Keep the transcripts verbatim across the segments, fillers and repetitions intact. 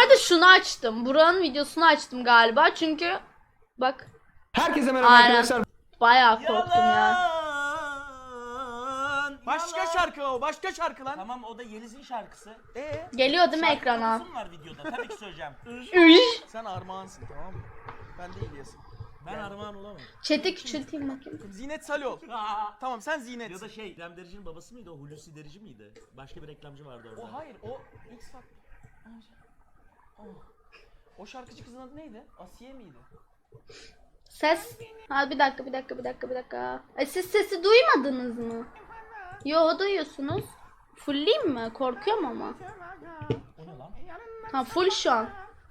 arada şunu açtım. Buranın videosunu açtım galiba çünkü bak. Herkese merhaba Aynen. arkadaşlar. Bayağı korktum ya. Yalan. Başka Yalan. şarkı o, başka şarkı lan. Tamam o da Yeliz'in şarkısı. Ee, Geliyor değil mi Şarkı ekrana? konusu mu var videoda? Tabii ki söyleyeceğim. Üş. sen Armağansın tamam mı? Ben de İlyas'ım. Ben Armağan olamam. Chat'i küçülteyim bakayım. Zinet Salih ol. Tamam sen Zinet. Ya da şey, İrem Derici'nin babası mıydı o? Hulusi Derici miydi? Başka bir reklamcı vardı orada. O hayır, o X Factor. Oh. O şarkıcı kızın adı neydi? Asiye miydi? Ses. Ha bir dakika bir dakika bir dakika bir dakika. E, siz sesi duymadınız mı? Yo duyuyorsunuz. Fullleyeyim mi? Korkuyorum ama. O ne lan? Ha full şu an.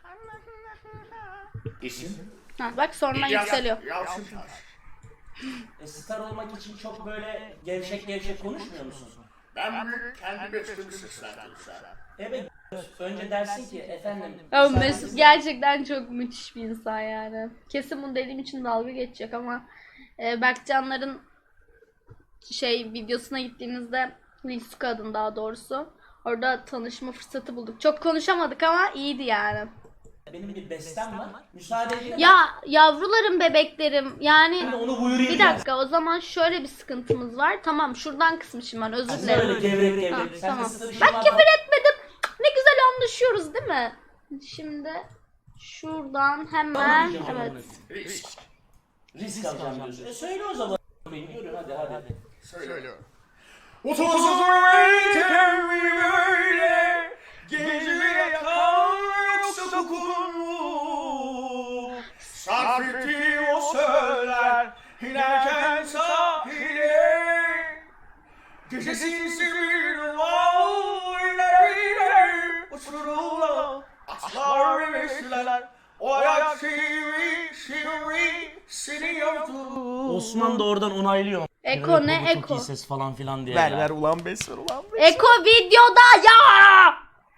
İsim? Ha bak sonradan yükseliyor. Yalçın Taş. E, star olmak için çok böyle gevşek gevşek konuşmuyor musun? Ben bunu kendi bestemi seslendirsem. Evet. Önce dersin ki efendim. Ya müsaadenizle- Mesut gerçekten çok müthiş bir insan yani. Kesin bunu dediğim için dalga geçecek ama e, Berkcanların şey videosuna gittiğimizde Lisuka adın daha doğrusu. Orada tanışma fırsatı bulduk. Çok konuşamadık ama iyiydi yani. Benim bir bestem var. Müsaade edin. Ya yavrularım bebeklerim yani Ben onu buyurayım. bir dakika o zaman şöyle bir sıkıntımız var. Tamam şuradan kısmışım ben özür Böyle dilerim. gevrek Ha, gevrek. Sen tamam. de sırışın Ben var. küfür etmedim. Ne güzel anlaşıyoruz değil mi? Şimdi şuradan hemen evet. Risk. Risk alacağım diyorsun. E söyle o zaman. Yürü hadi hadi hadi. Söylüyorum. Uzun ömrüm böyle geceye kal yoksa kokun mu? Sarf ettiğim o söyler inerken sahile. Gecesi bir var ileride uçurumla atlar ve besler. O ayak şiiri şiiri seni yaptı. Osman da oradan onaylıyor. Eko Evet, ne baba çok eko? iyi ses falan filan diye. Ver ya. ver ulan bes ver ulan bes. Eko videoda ya.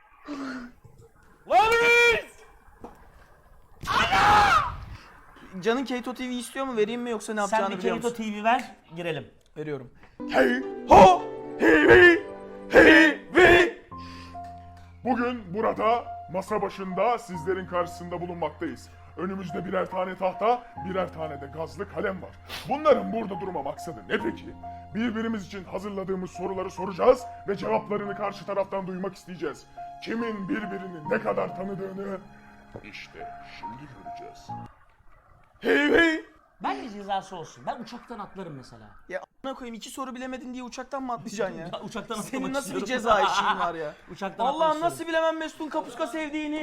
Lan Can'ın Keto T V istiyor mu? Vereyim mi yoksa ne Sen yapacağını bir biliyor Kerito musun? T V ver girelim. Veriyorum. Hey ho hey hey hey hey. Bugün burada masa başında sizlerin karşısında bulunmaktayız. Önümüzde birer tane tahta, birer tane de gazlı kalem var. Bunların burada durma maksadı ne peki? Birbirimiz için hazırladığımız soruları soracağız ve cevaplarını karşı taraftan duymak isteyeceğiz. Kimin birbirini ne kadar tanıdığını işte şimdi göreceğiz. Hey hey. Bence cezası olsun. Ben uçaktan atlarım mesela. Ya a**ına koyayım iki soru bilemedin diye uçaktan mı atlayacaksın ya? Ya uçaktan atlamak Senin nasıl bir istiyorum. ceza işin var ya? Uçaktan Allah'ım atlamak nasıl istiyorum. bilemem Mesut'un kapuska sevdiğini.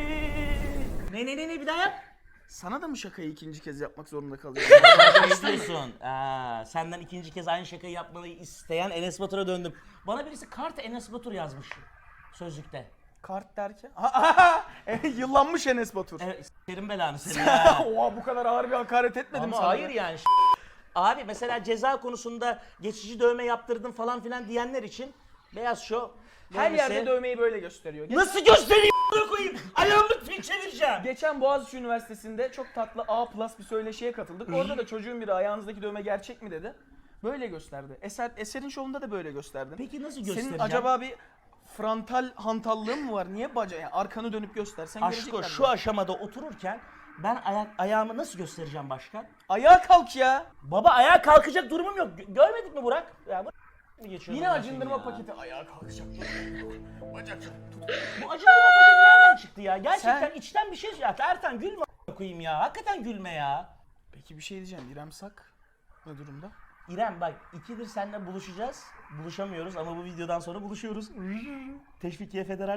Ne ne ne ne bir daha yap. Sana da mı şakayı ikinci kez yapmak zorunda kalıyorum? Ne istiyorsun? Aa, senden ikinci kez aynı şakayı yapmayı isteyen Enes Batur'a döndüm. Bana birisi kart Enes Batur yazmış sözlükte. Kart derken? Aha, yıllanmış Enes Batur. Evet, s**erim belanı seni ha. Oha bu kadar ağır bir hakaret etmedim Ama sana. hayır yani. ş- Abi mesela ceza konusunda geçici dövme yaptırdım falan filan diyenler için Beyaz Show Her dövmesi- yerde dövmeyi böyle gösteriyor. Ge- Nasıl göstereyim a**ına koyayım? Ayağımı fil çevireceğim. Geçen Boğaziçi Üniversitesi'nde çok tatlı A plus bir söyleşiye katıldık. Orada da çocuğun biri ayağınızdaki dövme gerçek mi dedi. Böyle gösterdi. Eser Eser'in şovunda da böyle gösterdin. Peki nasıl göstereceğim? Senin acaba bir frontal hantallığın mı var? Niye baca yani arkanı dönüp göstersen Aşko görecekler. şu aşamada otururken ben ayak ayağımı nasıl göstereceğim başkan? Ayağa kalk ya. Baba ayağa kalkacak durumum yok. Gö- Görmedik mi Burak? Ya bu mi geçiyor? Yine bundan acındırma sonra ya? paketi. Ayağa kalkacak. Bacak. Bu acındırma paketi nereden çıktı ya? Gerçekten Sen- içten bir şey ya. Ertan gülme a**ına koyayım ya. Hakikaten gülme ya. Peki bir şey diyeceğim. İrem Sak ne durumda? İrem bak ikidir seninle buluşacağız. Buluşamıyoruz ama bu videodan sonra buluşuyoruz. Teşvikiye Federal.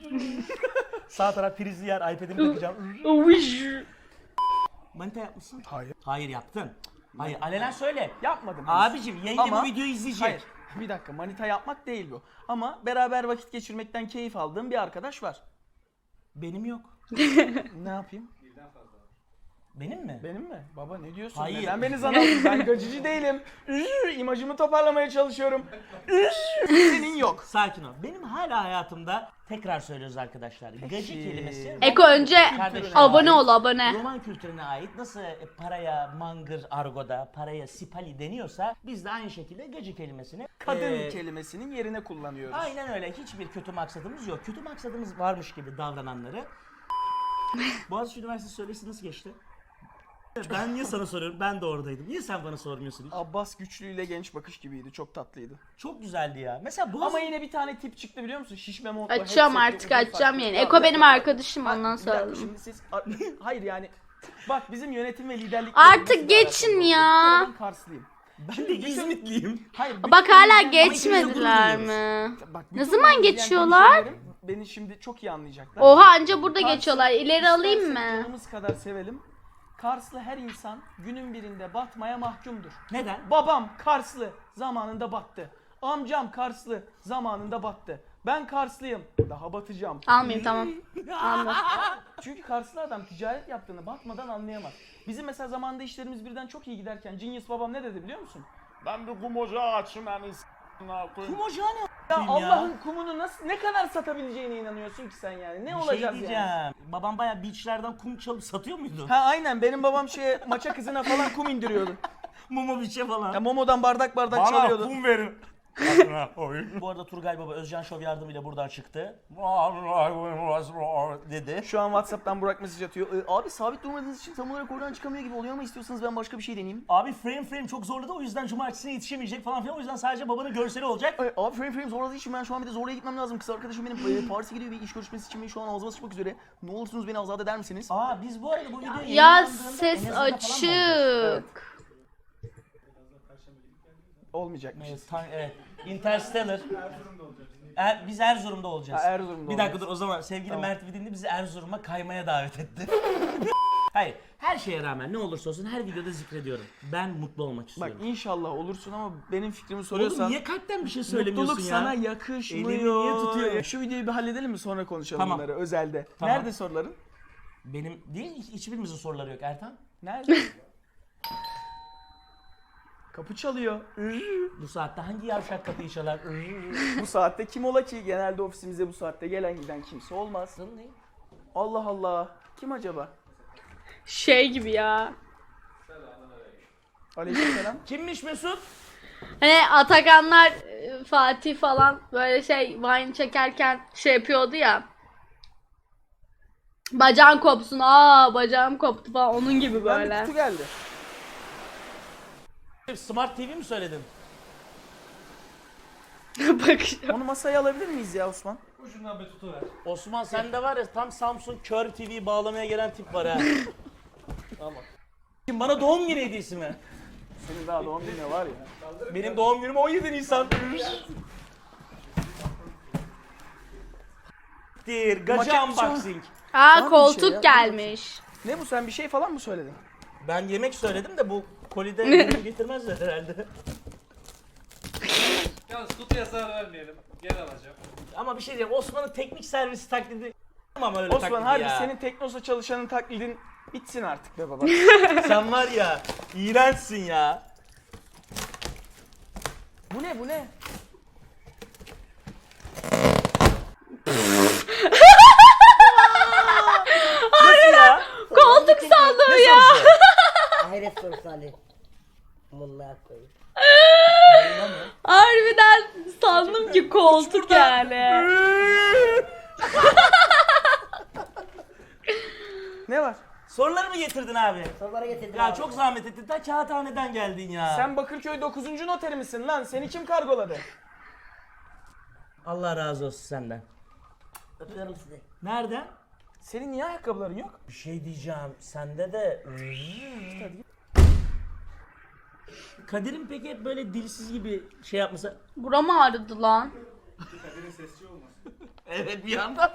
Sağ taraf prizli yer. iPad'imi takacağım. Manita yapmışsın. Hayır. Hayır yaptın. Hayır alenen söyle. Yapmadım. Abicim yayında Ama- bu videoyu izleyecek. Hayır. Bir dakika manita yapmak değil bu. Ama beraber vakit geçirmekten keyif aldığım bir arkadaş var. Benim yok. Ne yapayım? Benim mi? Benim mi? Baba ne diyorsun? Hayır. Neden beni zan aldın? Ben gacıcı değilim. Üş, imajımı toparlamaya çalışıyorum. Üş, senin yok. Sakin ol. Benim hala hayatımda tekrar söylüyoruz arkadaşlar. Gacı Peki. kelimesi Eko önce Kardeşim. abone ol abone. Roman kültürüne ait nasıl paraya mangır argoda, paraya sipali deniyorsa biz de aynı şekilde gacı kelimesini Kadın eee, kelimesinin yerine kullanıyoruz. aynen öyle. Hiçbir kötü maksadımız yok. Kötü maksadımız varmış gibi davrananları. Boğaziçi Üniversitesi söyleşisi nasıl geçti? Ben niye sana soruyorum? Ben de oradaydım. Niye sen bana sormuyorsun hiç? Abbas Güçlü ile Genç Bakış gibiydi. Çok tatlıydı. Çok güzeldi ya. Mesela Boğaziçi... Ama yine bir tane tip çıktı biliyor musun? Şişme montlu. Açacağım headsetli, artık uzun açacağım saçlı. yani. Ya, Eko bir benim dakika. arkadaşım Ha, ondan bir dakika, söyledim. Şimdi siz hayır yani bak bizim yönetim ve liderlik Artık geçin ya. Ben Karslıyım. Ben de İzmitliyim. Hayır. bütün Bak hala izleyen- geçmediler gurur mi? Bak, Ne bütün zaman izleyen geçiyorlar? hemşehrilerim Beni şimdi çok iyi anlayacaklar. Oha anca burada Kars'ı geçiyorlar. İleri alayım istersek mı? Canımız kadar sevelim. Karslı her insan günün birinde batmaya mahkumdur. Neden? Babam Karslı zamanında battı. Amcam Karslı zamanında battı. Ben Karslıyım. Daha batacağım. Almayayım tamam. Alma. Çünkü Karslı adam ticaret yaptığını batmadan anlayamaz. Bizim mesela zamanında işlerimiz birden çok iyi giderken Genius babam ne dedi biliyor musun? Ben bir kum ocağı açayım yani s***ına koyayım. Kum ocağı ne Ya a**ayım Allah'ın kumunu nasıl ne kadar satabileceğine inanıyorsun ki sen yani? Ne Bir şey olacağız diyeceğim. yani? Babam bayağı beachlerden kum çalıp satıyor muydu? Ha aynen benim babam şeye maça kızına falan kum indiriyordu. Mumu biçe falan. Ya Momo'dan bardak bardak çalıyordu. verin. Bu arada Turgay Baba Özcan Show yardımıyla buradan çıktı. Dedi. Şu an WhatsApp'tan Burak mesaj atıyor. Ee, abi sabit durmadığınız için tam olarak oradan çıkamıyor gibi oluyor ama istiyorsanız ben başka bir şey deneyeyim. Abi frame frame çok zorladı o yüzden cumartesine yetişemeyecek falan filan o yüzden sadece babanın görseli olacak. Ee, abi frame frame zorladığı için ben şu an bir de zorlaya gitmem lazım. Kız arkadaşım benim e, Paris'e gidiyor bir iş görüşmesi için ve şu an ağzıma sıçmak üzere. Ne olursunuz beni azat eder misiniz? Aa biz bu arada bu videoyu Ya yayınlandığında ses en azından falan mı olacağız? açık. Olmayacakmış. Evet, tam- evet. Interstellar. Er, biz Erzurum'da olacağız. Ha, Erzurum'da Bir dakika olacağız. dur o zaman sevgili Tamam. Mert Vidinli bizi Erzurum'a kaymaya davet etti. Hayır, her şeye rağmen ne olursa olsun her videoda zikrediyorum. Ben mutlu olmak Bak istiyorum. inşallah olursun ama benim fikrimi Oğlum soruyorsan niye kalpten bir şey söylemiyorsun mutluluk ya? sana yakışmıyor. Elini niye tutuyor? Şu videoyu bir halledelim mi sonra konuşalım Tamam. bunları özelde. Tamam. Nerede soruların? Benim değil hiç- hiçbirimizin soruları yok Ertan. Nerede? Kapı çalıyor. Bu saatte hangi yavşak kapıyı çalar? Bu saatte kim ola ki? Genelde ofisimize bu saatte gelen giden kimse olmaz. Allah Allah. Kim acaba? Şey gibi ya. Aleykümselam. Kimmiş Mesut? Hani Atakanlar, e, Fatih falan böyle şey Vine çekerken şey yapıyordu ya. Bacağın kopsun, aa bacağım koptu falan onun gibi Ben bir böyle. kutu geldi. Smart T V mi söyledin? Bak Onu masaya alabilir miyiz ya Osman? Osman sende var ya tam Samsung Kör T V bağlamaya gelen tip var ha. Tamam. Şimdi bana doğum günü hediyesi mi? Senin daha doğum günü var ya. Benim doğum günüm on yedi Nisan. Dir, gacı Maket- unboxing. Aa bir koltuk şey ya, gelmiş. Ne bu sen bir şey falan mı söyledin? Ben yemek söyledim de bu kolide ürünü getirmezler herhalde. Yalnız kutuya zarar vermeyelim. Geri alacağım. Ama bir şey diyeyim Osman'ın teknik servisi taklidi ama öyle Osman taklidi harbi ya. senin Teknosa çalışanın taklidin bitsin artık be baba. Sen var ya iğrençsin ya. Bu ne bu ne? Nasıl ya? Koltuk sandım Ne ya. sorusu? Hayret sorusu Ali. Bunlar koyayım. Harbiden sandım ki koltuk yani. Ne var? Soruları mı getirdin abi? Sorulara getirdim Ya abi. çok zahmet ettin. Ta kağıthaneden geldin ya. Sen Bakırköy dokuzuncu noteri misin lan? Seni kim kargoladı? Allah razı olsun senden. Öpüyorum sizi. Nereden? Senin niye ayakkabıların yok? Bir şey diyeceğim. Sende de... Kadir'in peki hep böyle dilsiz gibi şey yapması... Buram ağrıdı lan. Evet bir yandan.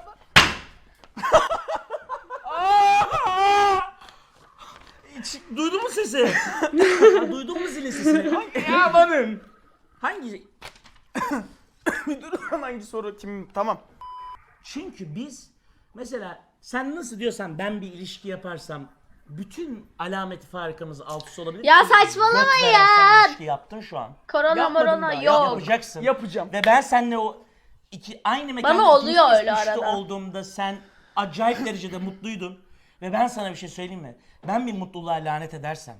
Hiç duydun mu sesi? Ha, duydun mu zilin sesini? Hangi ya benim? Hangi? Bir dur lan hangi soru kim? Tamam. Çünkü biz mesela sen nasıl diyorsan ben bir ilişki yaparsam bütün alameti farikamız alt üst olabilir. Ya ki saçmalama göt veren ya. sen ilişki yaptın şu an. Korona Yapmadın morona daha, yok. Yapacaksın. Yapacağım. Ve ben seninle o iki aynı mekanda Bana ikinci oluyor kez öyle üçlü arada. olduğumda sen acayip derecede mutluydun. Ve ben sana bir şey söyleyeyim mi? Ben bir mutluluğa lanet edersem.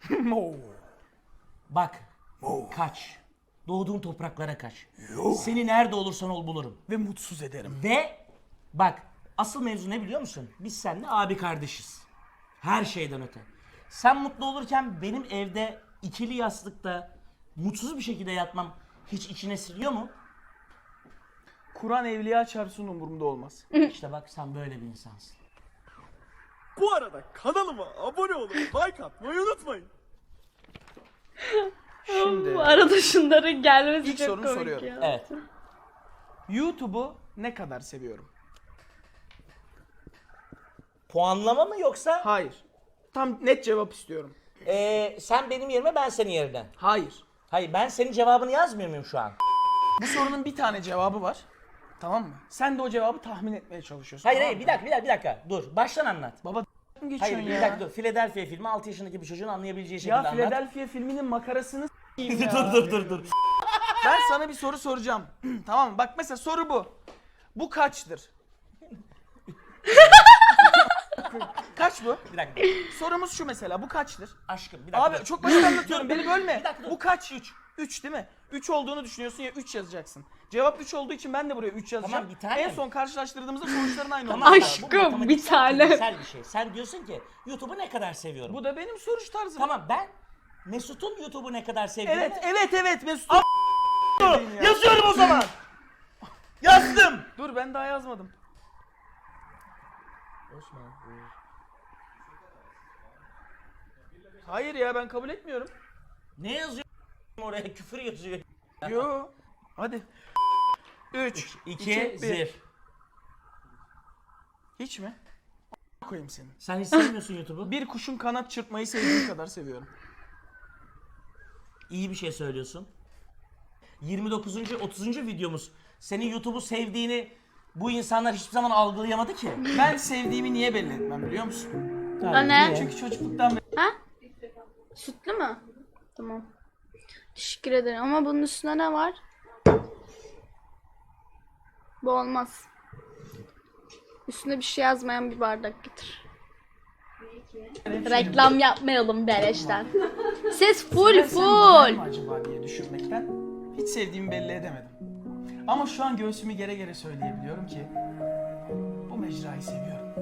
Bak. Kaç. Doğduğun topraklara kaç. Seni nerede olursan ol bulurum. Ve mutsuz ederim. Ve bak asıl mevzu ne biliyor musun? Biz seninle abi kardeşiz. Her şeyden öte. Sen mutlu olurken benim evde ikili yastıkta mutsuz bir şekilde yatmam hiç içine siliyor mu? Kur'an evliya çarpsın umurumda olmaz. İşte bak sen böyle bir insansın. Bu arada kanalıma abone olup like atmayı unutmayın. Şimdi Bu arada şunların gelmesi İlk çok sorunu komik soruyorum. ya. Evet. YouTube'u ne kadar seviyorum? Puanlama mı yoksa? Hayır. Tam net cevap istiyorum. Ee, sen benim yerime ben senin yerine. Hayır. Hayır ben senin cevabını yazmıyor muyum şu an? Bu sorunun bir tane cevabı var. Tamam mı? Sen de o cevabı tahmin etmeye çalışıyorsun. Hayır tamam hayır mı? bir dakika bir dakika bir dakika. Dur baştan anlat. Baba mı Hayır geçiyorsun bir ya? dakika dur. Philadelphia filmi altı yaşındaki bir çocuğun anlayabileceği şekilde Ya anlat. Philadelphia filminin makarasını s**eyim ya. dur dur dur dur. Ben sana bir soru soracağım. Tamam mı? Bak mesela soru bu. Bu kaçtır? Kaç bu? Bir dakika. Sorumuz şu mesela. Bu kaçtır? Aşkım bir dakika. Abi çok basit anlatıyorum. Beni bölme. Bir dakika dur. Bu kaç? üç. üç değil mi? üç olduğunu düşünüyorsun ya üç yazacaksın. Cevap üç olduğu için ben de buraya üç yazacağım. Tamam, bir tane. En son karşılaştırdığımızda sonuçların aynı Tamam, olacak. Aşk- bu Aşkım, matematiksel, bir tane. fiziksel bir şey. Sen diyorsun ki YouTube'u ne kadar seviyorum. Bu da benim soruş tarzım. Tamam ben Mesut'un YouTube'u ne kadar sevdiğini Evet, evet, evet Mesut. yazıyorum o zaman. Yazdım. Dur ben daha yazmadım. Hayır ya ben kabul etmiyorum. Ne yazıyor oraya? Küfür yazıyor. Yo. Hadi. üç, İki, zir. Hiç mi? Koyayım seni. Sen hiç sevmiyorsun YouTube'u. Bir kuşun kanat çırpmayı sevdiğim kadar seviyorum. İyi bir şey söylüyorsun. yirmi dokuzuncu otuzuncu videomuz. Senin YouTube'u sevdiğini bu insanlar hiçbir zaman algılayamadı ki. Ben sevdiğimi niye belli etmem biliyor musun? O ne? Çünkü çocukluktan beri Ha? Sütlü mü? Tamam. Teşekkür ederim ama bunun üstüne ne var? Bu olmaz. Üstüne bir şey yazmayan bir bardak getir. Reklam yapmayalım beleşten. Ses full Ben seni gider mi full. acaba diye düşünmekten hiç sevdiğimi belli edemedim. Ama şu an göğsümü gere gere söyleyebiliyorum ki bu mecrayı seviyorum.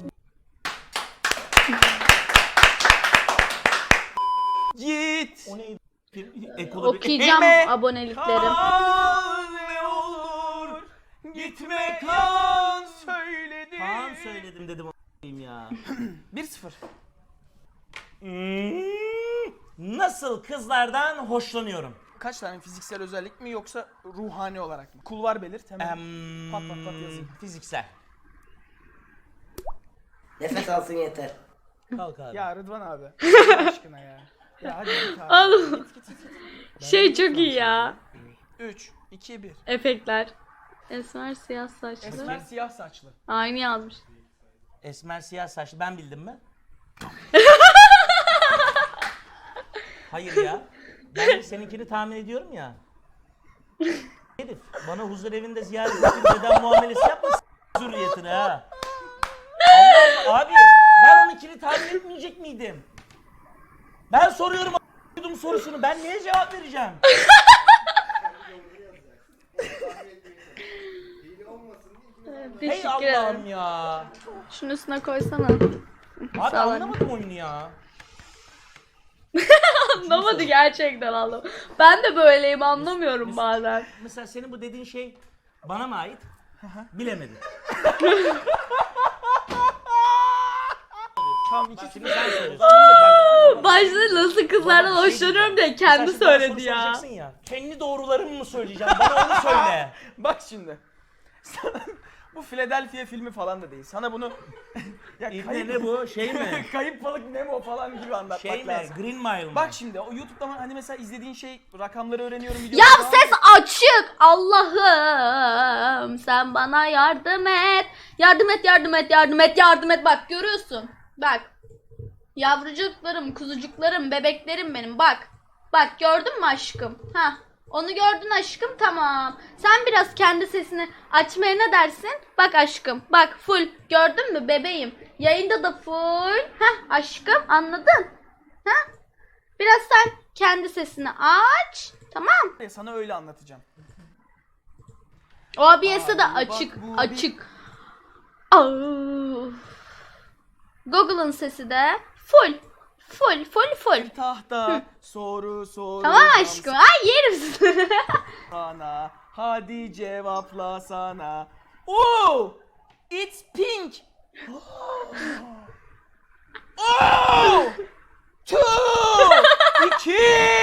Git. O neydi? Ekoda bir... Okuyacağım Eme. aboneliklerim. Kal ne olur gitme kal söyledim. Kaan söyledim dedim o**ayım ya. bir sıfır. Hmm, nasıl kızlardan hoşlanıyorum? Kaç tane fiziksel özellik mi yoksa ruhani olarak mı? Kulvar belirt hemen. Em, Pat pat pat yazayım. Fiziksel. Nefes alsın yeter. Kalk abi. Ya Rıdvan abi. Allah aşkına ya. Ya hadi git abi. Oğlum. Git git git. Şey çok iyi ya. üç, iki, bir. Efektler. Esmer siyah saçlı. Esmer siyah saçlı. Aynı yazmış. Esmer siyah saçlı ben bildim mi? Hayır ya. Ben seninkini tahmin ediyorum ya. Herif bana huzur evinde ziyaret edip dedem muamelesi yapma s- zürriyetine ha. Allah Allah, abi ben onunkini tahmin etmeyecek miydim? Ben soruyorum a**ydum sorusunu ben niye cevap vereceğim? Hey Teşekkür Allah'ım ederim. ya. Şunun üstüne koysana. Abi Sağ ol. anlamadım oyunu ya. Anlamadı gerçekten anlamadım. Ben de böyleyim anlamıyorum bazen. Mesela senin bu dediğin şey bana mı ait? Bilemedim. Tam iki Şimdi sen söylüyorsun. Başta nasıl kızlardan Baba, bir şey hoşlanıyorum diye diyeceğim. kendi Sen şimdi bana söyledi soru ya. soracaksın ya. Kendi doğrularımı mı söyleyeceğim? Bana onu söyle. Bak şimdi. Sana- bu Philadelphia filmi falan da değil. Sana bunu ya İbne ne bu? Şey mi? kayıp balık Nemo falan gibi anlatmak Şey mi? lazım. Green Mile mi? Bak şimdi o YouTube'da hani mesela izlediğin şey rakamları öğreniyorum videoları Ya falan ses açık. Allah'ım sen bana yardım et. Yardım et, yardım et, yardım et, yardım et. Bak görüyorsun. Bak. Yavrucuklarım, kuzucuklarım, bebeklerim benim. Bak. Bak gördün mü aşkım? Ha. Onu gördün aşkım, tamam. Sen biraz kendi sesini açmaya ne dersin? Bak aşkım. Bak full. Gördün mü bebeğim? Yayında da full. Heh aşkım, anladın? Ha? Biraz sen kendi sesini aç. Tamam. Sana öyle anlatacağım. O A B S'e de Ay, bak açık. bu Açık. Aa. Google'ın sesi de full. Full full full. Tahta soru soru. Tamam aşkım. Ay yerim seni. Sana. Hadi cevapla sana. Oh! It's pink. Oh! Two! İki!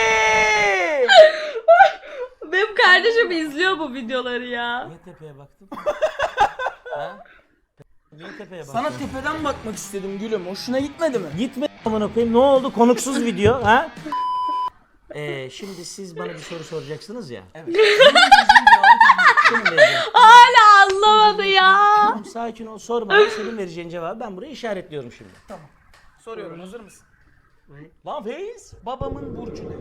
Benim kardeşim izliyor bu videoları ya. Niye tepeye baktın? ha? Niye tepeye baktın? Sana tepeden bakmak istedim gülüm. Hoşuna gitmedi mi? Gitme amına koyayım. Ne oldu? Konuksuz video ha? Ee, şimdi siz bana bir soru soracaksınız ya. Evet. Senin vereceğin. Hala anlamadı ya. Tamam sakin ol, sorma. Senin vereceğin cevabı ben buraya işaretliyorum şimdi. Tamam. Soruyorum. Hazır mısın? Lan Feyiz. Babamın burcu ne?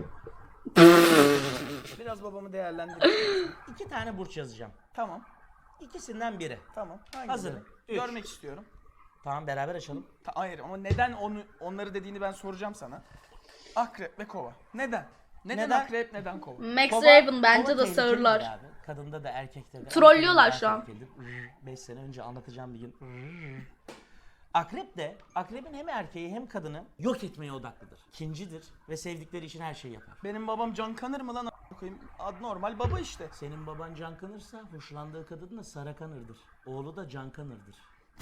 Biraz babamı değerlendir. İki tane burç yazacağım. Tamam. İkisinden biri. Tamam. Hangileri? Hazırım. Üç. Görmek istiyorum. Tamam beraber açalım. Ta- hayır ama neden onu onları dediğini ben soracağım sana. Akrep ve kova. Neden? Neden, Neden? akrep, neden kova? Max Kova- Raven bence kova de tehlikelidir sağırlar. abi. Kadında da erkekte de. Trollüyorlar Erkekte de şu an. tehlikelidir. beş sene önce anlatacağım bir gün. Akrep de, akrebin hem erkeği hem kadını yok etmeye odaklıdır. İkincidir ve sevdikleri için her şeyi yapar. Benim babam can kanır mı lan a**ına koyayım? Ad normal baba işte. Senin baban can kanırsa hoşlandığı kadın da Sara Kanır'dır. Oğlu da Can Kanır'dır.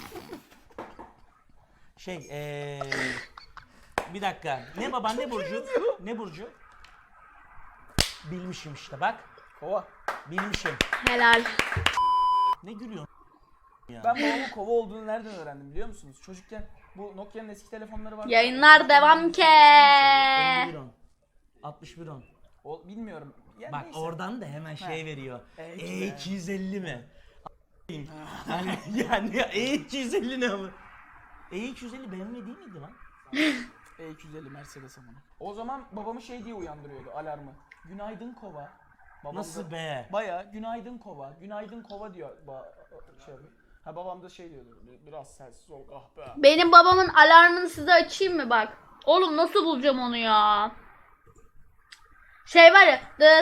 Şey eee... Bir dakika. Ne baban ne burcu? Ne burcu? Bilmişim işte bak. Kova. Bilmişim. Helal. Ne gülüyorsun ya? Ben babamın kova olduğunu nereden öğrendim biliyor musunuz? Çocukken bu Nokia'nın eski telefonları vardı. Yayınlar devam ke. elli bir on. altmış bir on. O, bilmiyorum. Yani Bak neyse. oradan da hemen şey veriyor. E E iki iki yüz elli mi? yani yani E iki yüz elli ne ama? E iki yüz elli B M W değil miydi lan? E iki yüz elli Mercedes amına. O zaman babamı şey diye uyandırıyordu alarmı. Günaydın kova. Babam Nasıl da be? Baya günaydın kova. Günaydın kova diyor. Ba şey yapıyor. Ha babam da şey diyordu. Biraz sessiz ol kahpe. Benim babamın alarmını size açayım mı bak. Oğlum nasıl bulacağım onu ya? Şey var ya.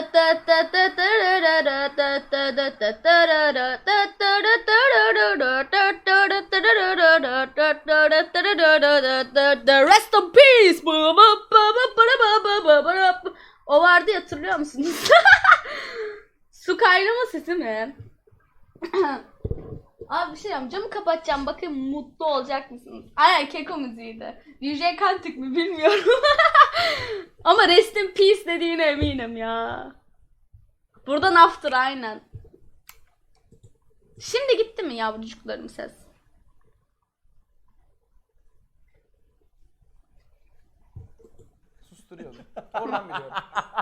Rest in peace. O vardı ya, hatırlıyor musunuz? Su kaynama sesi mi? Abi bir şey diyeceğim. Camı kapatacağım. Bakın mutlu olacak mısınız? Aynen keko müziğiydi. D J Kantık mı bilmiyorum. Ama rest in peace dediğine eminim ya. Buradan after aynen. Şimdi gitti mi yavrucuklarım ses? Susturuyordu. Oradan biliyorum.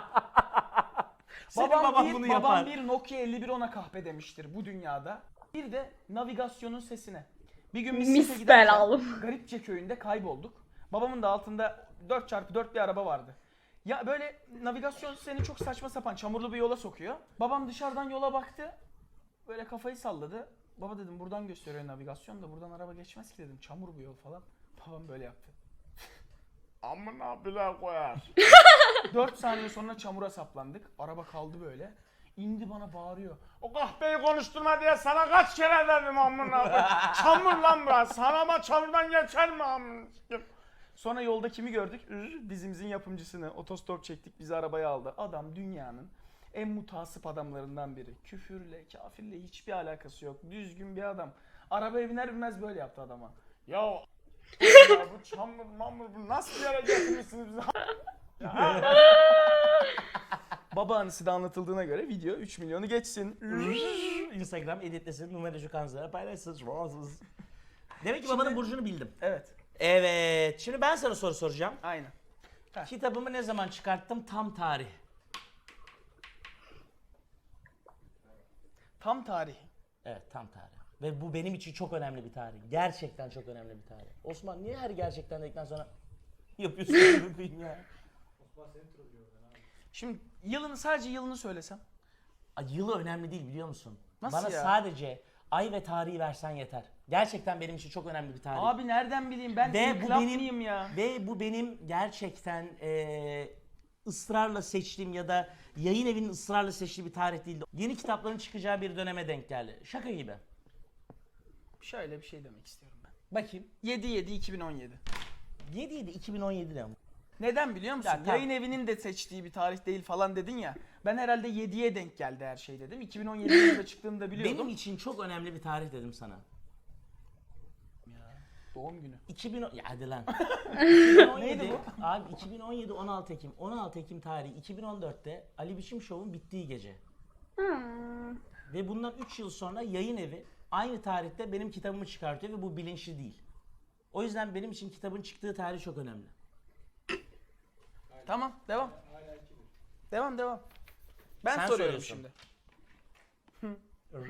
Senin babam baban bir, bunu babam yapar. bir Nokia elli bir ona kahpe demiştir bu dünyada. Bir de navigasyonun sesine. Bir gün biz Mis site giderken belalım. Garipçe köyünde kaybolduk. Babamın da altında dört çarpı dört bir araba vardı. Ya böyle navigasyon seni çok saçma sapan çamurlu bir yola sokuyor. Babam dışarıdan yola baktı. Böyle kafayı salladı. Baba dedim buradan gösteriyor navigasyon da buradan araba geçmez ki dedim. Çamur bu yol falan. Babam böyle yaptı. Amına bile koyar. dört saniye sonra çamura saplandık. Araba kaldı böyle. İndi bana bağırıyor. O kahpeyi konuşturma diye sana kaç kere dedim amına koyayım. Çamur lan burası. Sana ama çamurdan geçer mi amına? Sonra yolda kimi gördük? Ür, Dizimizin yapımcısını. Otostop çektik, bizi arabaya aldı. Adam dünyanın en mutasip adamlarından biri. Küfürle, kafirle hiçbir alakası yok. Düzgün bir adam. Arabaya biner binmez böyle yaptı adama. Ya, ya bu çamur mamur bu nasıl bir yere getirmişsiniz bizi? Baba anısı da anlatıldığına göre video üç milyonu geçsin. Instagram editlesin, numaracı kanzara paylaşsın. Demek ki babanın burcunu bildim. Evet, Evet. Şimdi ben sana soru soracağım. aynen. Kitabımı ne zaman çıkarttım? Tam tarih. Tam tarih. Evet, tam tarih. Ve bu benim için çok önemli bir tarih. Gerçekten çok önemli bir tarih. Osman niye her gerçekten dedikten sonra yapıyorsun amına koyayım ya. Şimdi yılını sadece yılını söylesem. Ay, yılı önemli değil biliyor musun? Nasıl Bana ya? sadece ay ve tarihi versen yeter. Gerçekten benim için çok önemli bir tarih. Abi nereden bileyim ben Ve bu inkılap benim mıyım ya? ve bu benim gerçekten eee, ısrarla seçtiğim ya da yayın evinin ısrarla seçtiği bir tarih değildi. Yeni kitapların çıkacağı bir döneme denk geldi. Şaka gibi. Şöyle bir şey demek istiyorum ben. Bakayım. yedi yedi iki bin on yedi. yedi yedi iki bin on yedi'de ama. Neden biliyor musun? Ya, tamam. Yayın evinin de seçtiği bir tarih değil falan dedin ya. Ben herhalde yediye denk geldi her şey dedim. iki bin on yedi yılında çıktığını da biliyordum. Benim için çok önemli bir tarih dedim sana. Doğum günü. iki bin on ya hadi lan. iki bin on yedi, Neydi abi iki bin on yedi on altı Ekim. on altı Ekim tarihi iki bin on dört'te Ali Biçim Show'un bittiği gece. Hmm. Ve bundan üç yıl sonra yayın evi aynı tarihte benim kitabımı çıkartıyor ve bu bilinçli değil. O yüzden benim için kitabın çıktığı tarih çok önemli. Tamam devam. Devam devam. Ben Sen soruyorum soruyorsun. şimdi.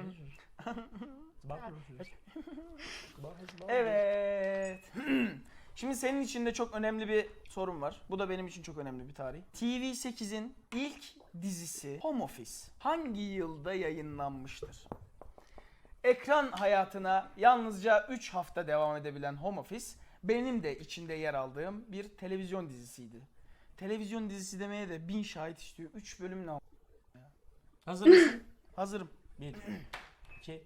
Evet. Şimdi senin için de çok önemli bir sorum var. Bu da benim için çok önemli bir tarih. T V sekizin ilk dizisi Home Office hangi yılda yayınlanmıştır? Ekran hayatına yalnızca üç hafta devam edebilen Home Office benim de içinde yer aldığım bir televizyon dizisiydi. Televizyon dizisi demeye de bin şahit istiyor. üç bölüm ne? Hazır mısın? Hazırım. bir, iki,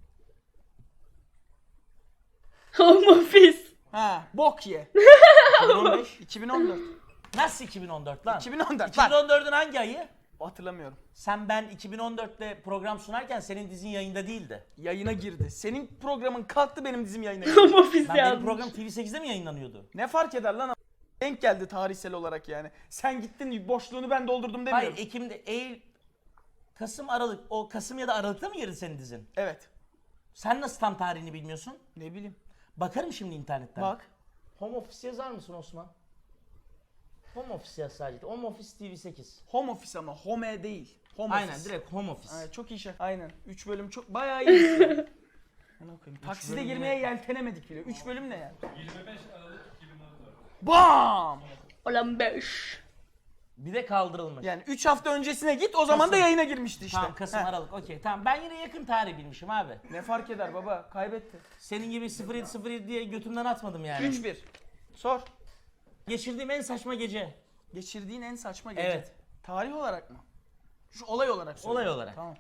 Home office. Ha, bok ye. iki bin on beş. iki bin on dört. Nasıl iki bin on dört lan? iki bin on dört. iki bin Lan. on dört'ün hangi ayı? Hatırlamıyorum. Sen ben iki bin on dört'te program sunarken senin dizin yayında değildi. Yayına girdi. Senin programın kalktı, benim dizim yayına girdi. Home office Ben benim yazmış. program T V sekiz'de mi yayınlanıyordu? Ne fark eder lan? Denk geldi tarihsel olarak yani. Sen gittin, boşluğunu ben doldurdum demiyorum. Hayır, Ekim'de, Eylül, Kasım, Aralık. O Kasım ya da Aralık'ta mı girdi senin dizin? Evet. Sen nasıl tam tarihini bilmiyorsun? Ne bileyim. Bakarım şimdi internetten. Bak. Home Office yazar mısın Osman? Home Office yaz sadece. Home Office T V sekiz. Home Office ama Home değil. Home Aynen, Office. direkt Home Office. Evet, çok iyi şaka. Aynen. üç bölüm çok bayağı iyi. Ne koyayım? Takside bölüm girmeye ne? yeltenemedik bile. üç bölüm ne ya? yirmi beş Aralık iki bin on dört. Bam! Olan beş. Bir de kaldırılmış. Yani üç hafta öncesine git, o zaman da Kasım. yayına girmişti işte. Tamam, Kasım, Heh. Aralık. Okey, tamam. Ben yine yakın tarih bilmişim abi. Ne fark eder baba? Kaybetti. Senin gibi sıfır yedi sıfır yedi diye götümden atmadım yani. üç bir. Sor. Geçirdiğim en saçma gece. Geçirdiğin en saçma gece. Evet. Tarih olarak mı? Şu olay olarak söyle. Olay olarak. Tamam.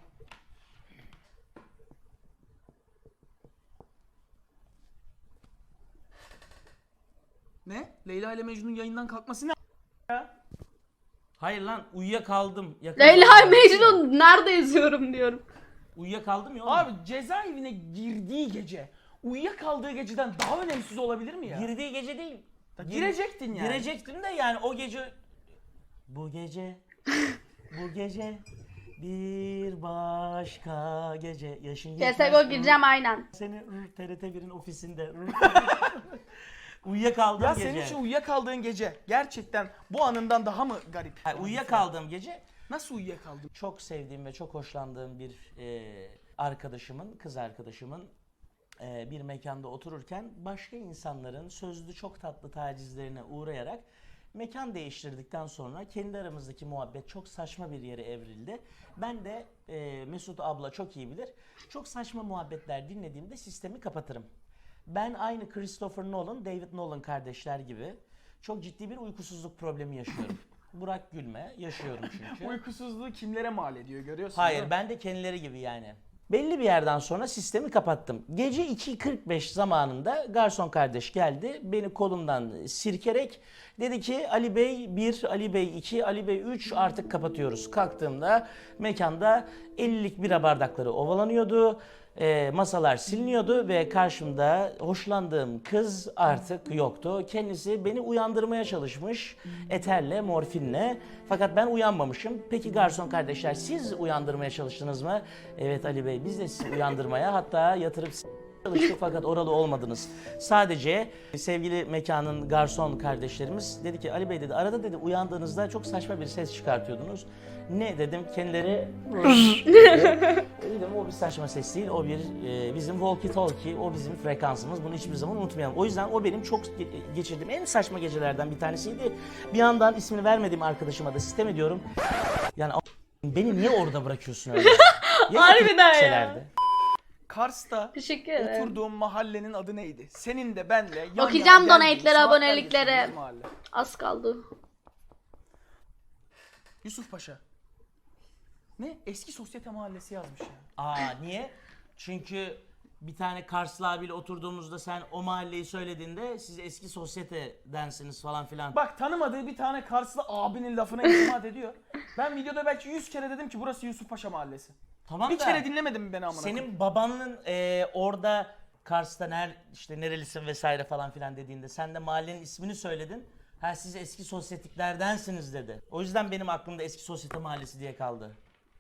Ne? Leyla ile Mecnun yayından kalkması ne? Ya? Hayır lan, uyuyakaldım. Yakın Leyla zamanda. Mecnun nerede yazıyorum diyorum. Uyuyakaldım ya oğlum. Abi cezaevine girdiği gece, uyuyakaldığı geceden daha önemsiz olabilir mi ya? Girdiği gece değil. Gir- Girecektin yani. Girecektim de yani o gece... Bu gece, bu gece bir başka gece yaşın C S G O gireceğim aynen. Seni ır, T R T bir'in ofisinde ır, uyuyakaldığım Ya gece. senin için uyuyakaldığın gece gerçekten bu anından daha mı garip? Hayır, uyuyakaldığım gece Nasıl uyuyakaldın? çok sevdiğim ve çok hoşlandığım bir e, arkadaşımın, kız arkadaşımın e, bir mekanda otururken başka insanların sözlü çok tatlı tacizlerine uğrayarak mekan değiştirdikten sonra kendi aramızdaki muhabbet çok saçma bir yere evrildi. Ben de e, Mesut abla çok iyi bilir. Çok saçma muhabbetler dinlediğimde sistemi kapatırım. Ben aynı Christopher Nolan, David Nolan kardeşler gibi çok ciddi bir uykusuzluk problemi yaşıyorum. Burak gülme, yaşıyorum çünkü. Uykusuzluğu kimlere mal ediyor görüyorsun Hayır, değil mi? ben de kendileri gibi yani. Belli bir yerden sonra sistemi kapattım. Gece iki kırk beş zamanında garson kardeş geldi. Beni kolumdan sirkerek dedi ki Ali Bey bir, Ali Bey iki, Ali Bey üç artık kapatıyoruz. Kalktığımda mekanda ellilik bira bardakları ovalanıyordu. E, masalar siliniyordu ve karşımda hoşlandığım kız artık yoktu. Kendisi beni uyandırmaya çalışmış eterle, morfinle. Fakat ben uyanmamışım. Peki garson kardeşler, siz uyandırmaya çalıştınız mı? Evet Ali Bey, biz de sizi uyandırmaya, hatta yatırıp s- çalıştık fakat oralı olmadınız. Sadece sevgili mekanın garson kardeşlerimiz dedi ki Ali Bey dedi arada dedi uyandığınızda çok saçma bir ses çıkartıyordunuz. Ne dedim kendileri dedim o bir saçma ses değil o bir e, bizim walkie talkie o bizim frekansımız bunu hiçbir zaman unutmayalım. O yüzden o benim çok ge- geçirdiğim en saçma gecelerden bir tanesiydi. Bir yandan ismini vermediğim arkadaşıma da sistem ediyorum. Yani a- beni niye orada bırakıyorsun öyle? Ya Harbiden ya. şeylerdi. Kars'ta Teşekkür ederim. oturduğum mahallenin adı neydi? Senin de benle yan Bakacağım yana geldiğin, donate'lere, saatlerce aboneliklere. sürdüğümüz mahalle. Az kaldı. Yusuf Paşa. Ne? Eski sosyete mahallesi yazmış ya. Aa niye? Çünkü bir tane Karslı abiyle oturduğumuzda sen o mahalleyi söylediğinde siz eski sosyetedensiniz falan filan. Bak tanımadığı bir tane Karslı abinin lafına itimat ediyor. Ben videoda belki yüz kere dedim ki burası Yusuf Paşa mahallesi. Tamam Bir da kere dinlemedin mi beni amına koyayım? senin babanın e, orada Kars'ta ner, işte nerelisin vesaire falan filan dediğinde sen de mahallenin ismini söyledin. Ha siz eski sosyetiklerdensiniz dedi. O yüzden benim aklımda eski sosyete mahallesi diye kaldı.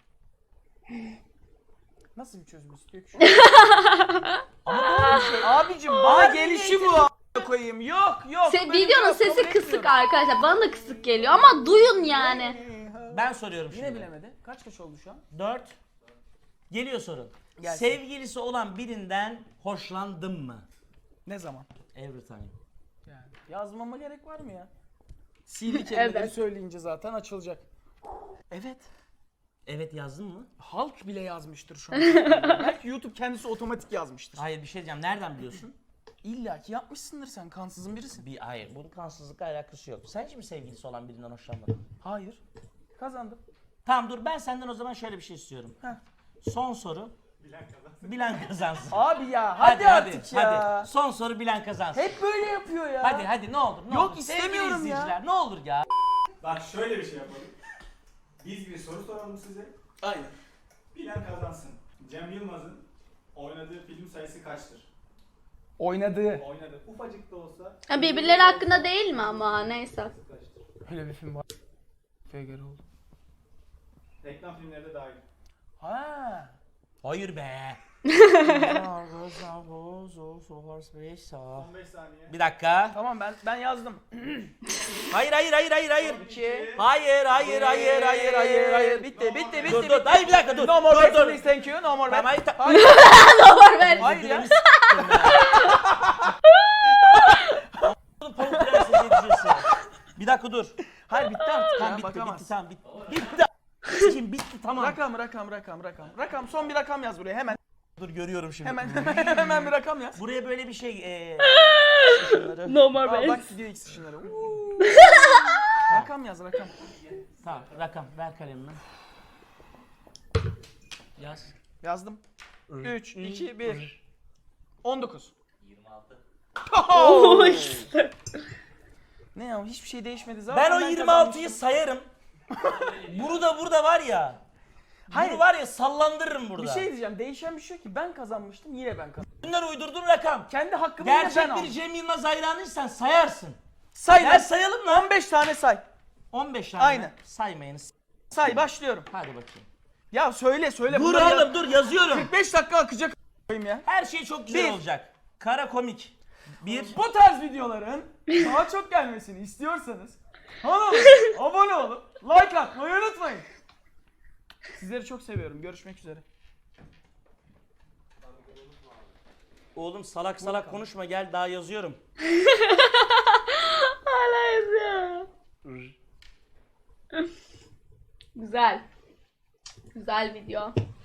Nasıl bir çözüm istiyor ki şu an? Ama doğru bir şey. Abicim bana gelişi bu a**a koyayım. Yok yok. Se- böyle bir videonun yok, kabul sesi kısık etmiyorum. arkadaşlar. Bana da kısık geliyor ama duyun yani. Ben soruyorum Yine şimdi. bilemedi. Kaç kaç oldu şu an? Dört. Geliyor sorun. Gelsin. Sevgilisi olan birinden hoşlandın mı? Ne zaman? Every time. Yani yazmama gerek var mı ya? Sihirli kelimeleri Evet. söyleyince zaten açılacak. Evet. Evet yazdın mı? Halk bile yazmıştır şu an. Belki YouTube kendisi otomatik yazmıştır. Hayır bir şey diyeceğim. Nereden biliyorsun? İlla ki yapmışsındır sen. Kansızın birisin. Bir hayır. Bunun kansızlıkla alakası yok. Sen hiç mi sevgilisi olan birinden hoşlanmadın? Hayır. Kazandım. Tamam dur ben senden o zaman şöyle bir şey istiyorum. Heh. Son soru. Bilen kazansın. Abi ya hadi, artık ya. Hadi. Son soru bilen kazansın. Hep böyle yapıyor ya. Hadi hadi ne olur ne Yok, olur. istemiyorum Sevgili ya. izleyiciler, ne olur ya. Bak şöyle bir şey yapalım. Biz bir soru soralım size. Aynen. Bilen kazansın. Cem Yılmaz'ın oynadığı film sayısı kaçtır? Oynadığı. Oynadı. Ufacık da olsa Ha, birbirleri hakkında değil mi ama neyse. kaçtır? Öyle bir film var. Göre oldu. Reklam filmleri de dahil. Ha. Hayır be. on beş saniye. Bir dakika. Tamam ben ben yazdım. Hayır hayır hayır hayır hayır. İki. Hayır hayır hayır hayır hayır hayır. Bitti bitti bitti. Dur bitti. dur. Hayır bir dakika dur. No more dur back, dur. please, thank you. No more Tamam, back. hayır, ta- Haber ver. Hayır ya. Pamuk Prenses yetişirsin. Bir dakika dur. Hayır bitti artık. Tamam ya, bitti bakamaz. bitti tamam bitti. Bitti. Kim bitti tamam. Rakam rakam rakam rakam. Rakam son bir rakam yaz buraya hemen. Dur görüyorum şimdi. Hemen hemen bir rakam yaz. Buraya böyle bir şey eee şunları. No more Aa, base. bak gidiyor X ışınları. Uuu. Rakam yaz rakam. Tamam rakam ver kalemini. Yaz. Yazdım. üç, iki, bir. on dokuz. yirmi altı. Oo, işte. Ne ya hiçbir şey değişmedi zaten. Ben o yirmi altıyı sayarım. Bunu da burada var ya. Hayır. Bunu var ya sallandırırım burada. Bir şey diyeceğim. Değişen bir şey yok ki. Ben kazanmıştım yine ben kazandım. Bunlar uydurduğun rakam. Kendi hakkımı yine ben Gerçek bir aldım. Cem Yılmaz hayranıysan sayarsın. Say Gel lan. sayalım lan. on beş tane say. on beş tane. Aynen. Saymayınız. Say başlıyorum. Hadi bakayım. Ya söyle söyle. Dur bunları yaz- oğlum dur yazıyorum. kırk beş dakika akacak a**ayım ya. Her şey çok güzel Bir. olacak. Kara komik. Bir. Bu tarz videoların daha çok gelmesini istiyorsanız kanala abone olup like atmayı unutmayın. Sizleri çok seviyorum. Görüşmek üzere. Oğlum salak salak konuşma gel daha yazıyorum. Hala yazıyor. Güzel. Güzel video.